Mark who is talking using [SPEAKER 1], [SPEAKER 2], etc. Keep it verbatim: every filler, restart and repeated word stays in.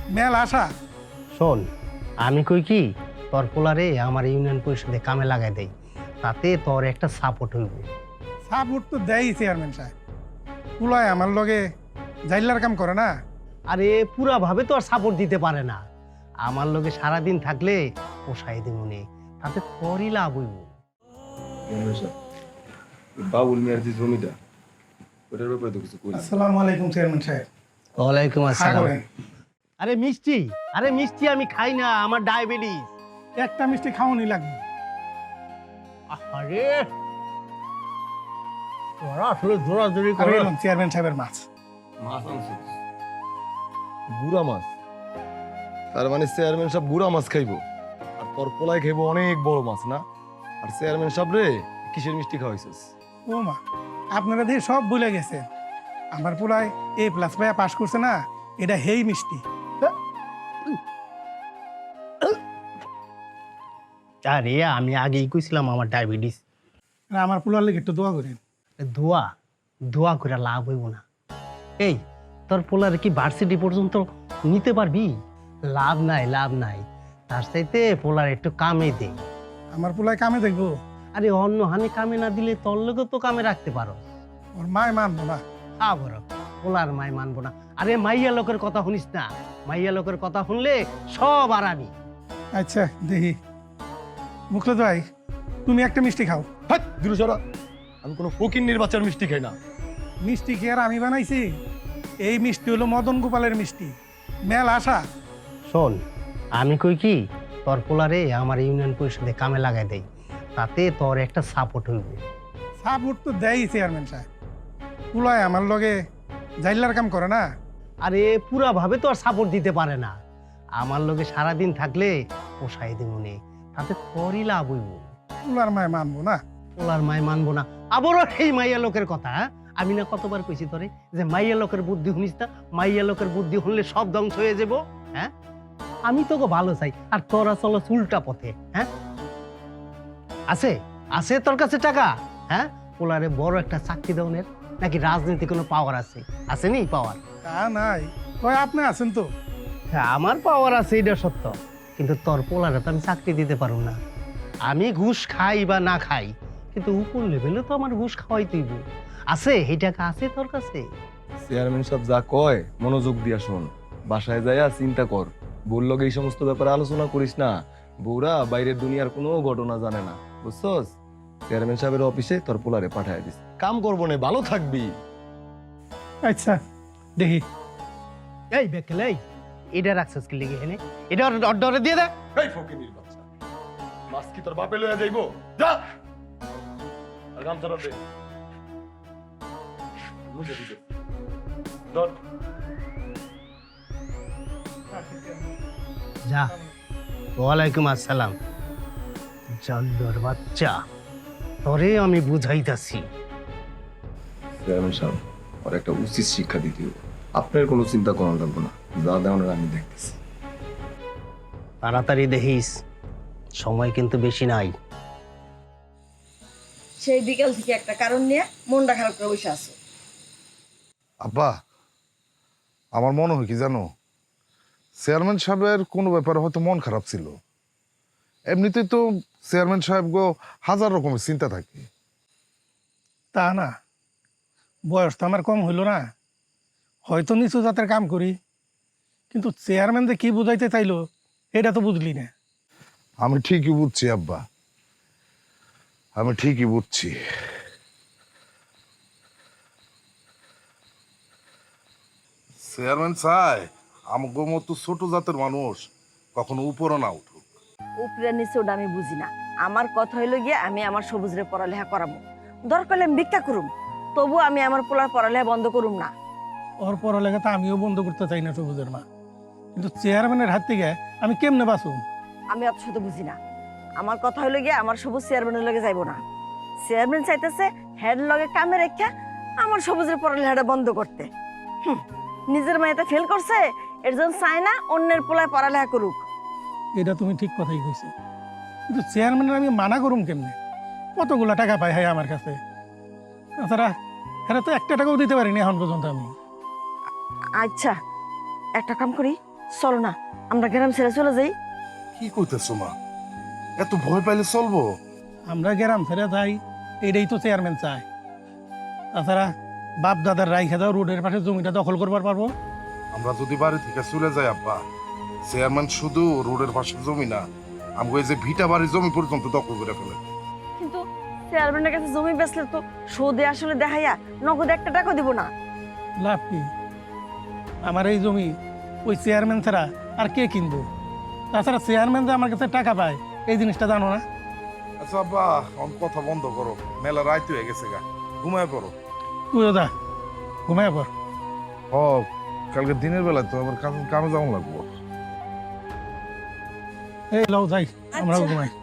[SPEAKER 1] Mail আশা।
[SPEAKER 2] শোন, আমি কই কি তোর পোলারে আমার ইউনিয়ন পরিষদে কামে লাগাই দেই, তাতে তোর একটা সাপোর্ট হইব।
[SPEAKER 1] সাপোর্ট তো দেয় চেয়ারম্যান সাহেব, পুলায় আমার লগে জাইলার কাম করে না।
[SPEAKER 2] আরে পুরা ভাবে তো আর সাপোর্ট দিতে পারে না, আমার লগে সারাদিন থাকলে পোষাই দিমুনে, তাতে তোরই লাভ হইব।
[SPEAKER 3] বাবুল মিয়ার যে জমিটা ওটার ব্যাপারে তো কিছু করি।
[SPEAKER 1] আসসালামু আলাইকুম চেয়ারম্যান সাহেব।
[SPEAKER 2] ওয়ালাইকুম
[SPEAKER 1] খা
[SPEAKER 2] আসসালাম।
[SPEAKER 1] করেন।
[SPEAKER 2] আরে মিষ্টি, আরে মিষ্টি আমি খাই না, আমার ডায়াবেটিস।
[SPEAKER 1] একটা মিষ্টি খাওয়ানি লাগবে।
[SPEAKER 2] আরে তোরা আসলে জোরাজোরি
[SPEAKER 1] আর
[SPEAKER 2] করে।
[SPEAKER 1] এলাম চেয়ারম্যান সাহেবের মাছ।
[SPEAKER 3] মাছ আনছিস? গুড়া মাছ? তার মানে চেয়ারম্যান সাহেব গুড়া মাছ খাইবো আর তোর পোলায় খাইবো অনেক বড় মাছ না? আর চেয়ারম্যান সাহেব রে কিসের মিষ্টি খাওয়াইছিস?
[SPEAKER 1] ও মা, আপনারা দিয়ে সব ভুলে গেছে। আমার পুলায় এ প্লাস পাইয়া পাশ করছে না, এটা হেই মিষ্টি।
[SPEAKER 2] আরে আমি আগেই কইছিলাম আমার ডায়াবেটিস।
[SPEAKER 1] আর আমার পুলার লেগে একটু দোয়া করেন।
[SPEAKER 2] ধোয়া ধোয়া করে লাভ হইব না। এই তোর পোলার কি ভার্সিটি পর্যন্ত নিতে পারবি? লাভ নাই, লাভ নাই। তার চাইতে পোলার একটু কামে দে।
[SPEAKER 1] আমার পুলায় কামে দেখবো,
[SPEAKER 2] আরে অন্য হানি কামে না দিলে তোর লোকে তো কামে রাখতে পারো।
[SPEAKER 1] ওর মায় মানবো না।
[SPEAKER 2] আবার পোলার মাই মানবো না? আরে মাইয়া লোকের কথা শুনিস না, মাইয়া লোকের কথা শুনলে সব আরামি।
[SPEAKER 1] আচ্ছা দেখি। মুখলে ভাই, তুমি একটা মিষ্টি খাও।
[SPEAKER 3] হাট দিরু সরা, আমি কোনো ফকিন্নির বাচ্চার মিষ্টি খাই না।
[SPEAKER 1] মিষ্টি কি আর আমি বানাইছি? এই মিষ্টি হলো মদন গোপালের মিষ্টি, মেল আশা।
[SPEAKER 2] শোন, আমি কই কি তোর পোলারে আমার ইউনিয়ন পরিষদে কামে লাগাই দেই, তাতে তোর একটা সাপোর্ট হইব।
[SPEAKER 1] সাপোর্ট তো দেয় চেয়ারম্যান সাহেব, পুলায় আমার লগে জাইলার কাম করে না।
[SPEAKER 2] আরে পুরা ভাবে তো আর সাপোর্ট দিতে পারে না, আমার লগে সারাদিন থাকলে পোষাই দিমুনে, তাতে তোরই লাভ হইব।
[SPEAKER 1] পুলার মায় মানবো না।
[SPEAKER 2] পোলার মাই মানবো না? আবারও সেই মাইয়া লোকের কথা? হ্যাঁ? আমি না কতবার কইছি তোরে যে মাইয়া লোকের বুদ্ধি শুনিস না, মাইয়া লোকের বুদ্ধি শুনলে সব ধ্বংস হয়ে যাব। হ্যাঁ, আমি তোকে ভালো চাই আর তোরা চলো উল্টা পথে। হ্যাঁ, আছে আছে তোর কাছে টাকা? হ্যাঁ, পোলারে বড় একটা চাকরি দেওয়ার নাকি রাজনীতি কোনো পাওয়ার আছে? আছে নি পাওয়ার?
[SPEAKER 1] তা নাই, কয় আপনি আছেন তো।
[SPEAKER 2] হ্যাঁ, আমার পাওয়ার আছে, এটা সত্য, কিন্তু তোর পোলারে তো আমি চাকরি দিতে পারব না। আমি ঘুষ খাই বা না খাই, কিন্তু উপর লেভেলে তো আমার ঘুষ খাওয়াই তুইব। আছে এই টাকা আছে তোর কাছে?
[SPEAKER 3] চেয়ারম্যান সাহেব যা কয় মনোযোগ দিয়া শোন, বাসায় যাইয়া চিন্তা কর। বউর লগে এই সমস্ত ব্যাপারে আলোচনা করিস না। বউরা বাইরের দুনিয়ার কোনো ঘটনা জানে না, বুঝছস? চেয়ারম্যান সাহেবের অফিসে তোর পোলারে পাঠায় দিস, কাম করবো না, ভালো থাকবি।
[SPEAKER 1] আচ্ছা দেখি।
[SPEAKER 2] এই বেকেল, এই এটা রাখছিস কি লেগে এনে? এটা অর্ডারে দিয়ে দে।
[SPEAKER 3] এই ফকিনির বাচ্চা, মাছ কি তোর বাপে লইয়া যাইবো? যা আর গামছাটা দে, মুছে দিতে ধর।
[SPEAKER 2] যা। ওয়ালাইকুম আসসালাম। জল্দর বাচ্চা, তোরে আমি বুঝাইতাছি।
[SPEAKER 3] চেয়ারম্যান সাহেব, ওর একটা উচিত শিক্ষা দিতে হবে। আপনার কোনো চিন্তা করা লাগবে না, যা দেওয়ার আমি দেখতেছি।
[SPEAKER 2] তাড়াতাড়ি দেখিস, সময় কিন্তু বেশি নাই।
[SPEAKER 4] সেই বিকাল থেকে একটা কারণ নিয়ে মনটা খারাপ করে বসে আছো।
[SPEAKER 5] আব্বা, আমার মনে হয় কি জানো, চেয়ারম্যান সাহেবের কোনো ব্যাপারে হয়তো মন খারাপ ছিল। এমনিতেই তো চেয়ারম্যান সাহেব গো হাজার রকমের চিন্তা থাকে।
[SPEAKER 1] তা না, বয়স তো আমার কম হইল না, হয়তো নিচু জাতের কাম করি, কিন্তু চেয়ারম্যান যে কি বুঝাইতে চাইলো এটা তো বুঝলি না।
[SPEAKER 5] আমি ঠিকই বুঝছি আব্বা, আমি ঠিকই বুঝছি। চেয়ারম্যান চাই আমাকে মতো ছোট জাতের মানুষ কখনো উপরে না উঠুক।
[SPEAKER 4] উপরে নিচে ওটা আমি বুঝি না। আমার কথা হইলো গিয়ে আমি আমার সবুজরে পড়ালেখা করাবো, দরকার হলে আমি ভিক্ষা করুম, তবু আমি আমার পোলার পড়ালেখা বন্ধ করুম না।
[SPEAKER 1] ওর পড়ালেখা তো আমিও বন্ধ করতে চাই না সবুজের মা, কিন্তু চেয়ারম্যানের হাত থেকে আমি কেমনে বাঁচুম?
[SPEAKER 4] আমি অত শত বুঝি না। আমার কথা হইলো গিয়ে আমার সবুজ চেয়ারম্যানের লগে যাইবো না। চেয়ারম্যান চাইতেছে হেড লগে কামে রেখা আমার সবুজের পড়ালেখাটা বন্ধ করতে। হুম, নিজের মেয়েটা ফেল করছে, এর জন্য চায় না অন্যের পোলায় পড়ালেখা করুক।
[SPEAKER 1] এটা তুমি ঠিক কথাই কইছো, কিন্তু চেয়ারম্যানের আমি মানা করুম কেমনে? কতগুলা টাকা পাই হয় আমার কাছে, তাছাড়া এরা তো একটা টাকাও দিতে পারিনি এখন পর্যন্ত আমি।
[SPEAKER 4] আচ্ছা, একটা কাম করি, চলো না আমরা গ্রাম ছেড়ে চলে যাই।
[SPEAKER 5] কি কইতেছো মা? এত ভয় পাইলে চলবো?
[SPEAKER 1] আমরা গ্রাম ছেড়ে যাই, এটাই তো চেয়ারম্যান চায়। তাছাড়া বাপ দাদার রাইখা দাও রোডের পাশে জমিটা দখল করবার পারবো।
[SPEAKER 5] আমরা যদি বাড়ি থেকে চলে যাই আব্বা, চেয়ারম্যান শুধু রোডের পাশে জমি না, আমাকে এই যে ভিটা বাড়ির জমি পর্যন্ত দখল করে ফেলে।
[SPEAKER 4] কিন্তু চেয়ারম্যানের কাছে জমি বেচলে তো সুদে আসলে দেখাইয়া নগদ একটা টাকা দিব না।
[SPEAKER 1] লাভ কি? আমার এই জমি ওই চেয়ারম্যান ছাড়া আর কে কিনবো? তাছাড়া চেয়ারম্যান যে আমার কাছে টাকা পায় এই জিনিসটা জানো না?
[SPEAKER 5] আচ্ছা আব্বা, অন কথা বন্ধ করো, মেলা রাইত হয়ে গেছে গা, ঘুমায় পড়ো।
[SPEAKER 1] তুইও যা, ঘুমায় পর।
[SPEAKER 5] ও, কালকে দিনের বেলা তো আবার কামে কামে যাওয়া লাগবো।
[SPEAKER 1] এই লও যাই, আমরাও
[SPEAKER 4] আচ্ছা।
[SPEAKER 1] ঘুমাই।